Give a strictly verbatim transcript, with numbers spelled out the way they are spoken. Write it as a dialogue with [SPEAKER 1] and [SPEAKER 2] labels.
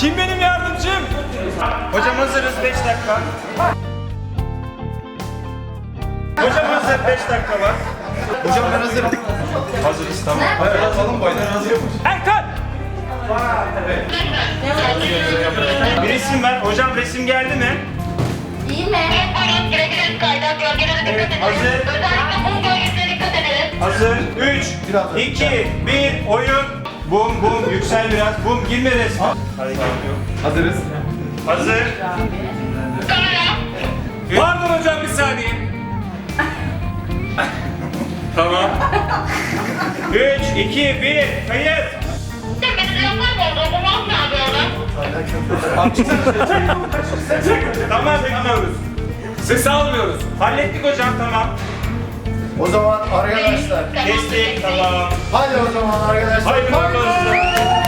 [SPEAKER 1] Kim benim yardımcım?
[SPEAKER 2] Hocam hazırız, beş dakika. Hocam hazır, beş dakika var.
[SPEAKER 3] Hocam ben hazırım.
[SPEAKER 2] Hazırız, tamam.
[SPEAKER 3] Hayır atalım baylar hazırmış.
[SPEAKER 1] Erkan!
[SPEAKER 2] Bir resim ver. Hocam resim geldi mi?
[SPEAKER 4] İyi mi?
[SPEAKER 2] Evet, hazır.
[SPEAKER 4] Özellikle bu bölgesine dikkat edelim.
[SPEAKER 2] Hazır. üç, iki, bir, oyun. Bum bum, yüksel biraz. Bum, girme resme. Hareket yok.
[SPEAKER 3] Hazırız.
[SPEAKER 2] Hazır.
[SPEAKER 1] Pardon hocam bir saniye. Tamam.
[SPEAKER 2] üç, iki, bir, kayıt.
[SPEAKER 4] Tepenizi yapar mı? Dokunmaz mı abi ona?
[SPEAKER 2] Tamam, bekliyoruz.
[SPEAKER 1] Ses almıyoruz.
[SPEAKER 2] Hallettik hocam, tamam.
[SPEAKER 3] O zaman arkadaşlar.
[SPEAKER 2] Kestik, tamam.
[SPEAKER 3] Hadi o zaman arkadaşlar.
[SPEAKER 2] Haydi bakalım.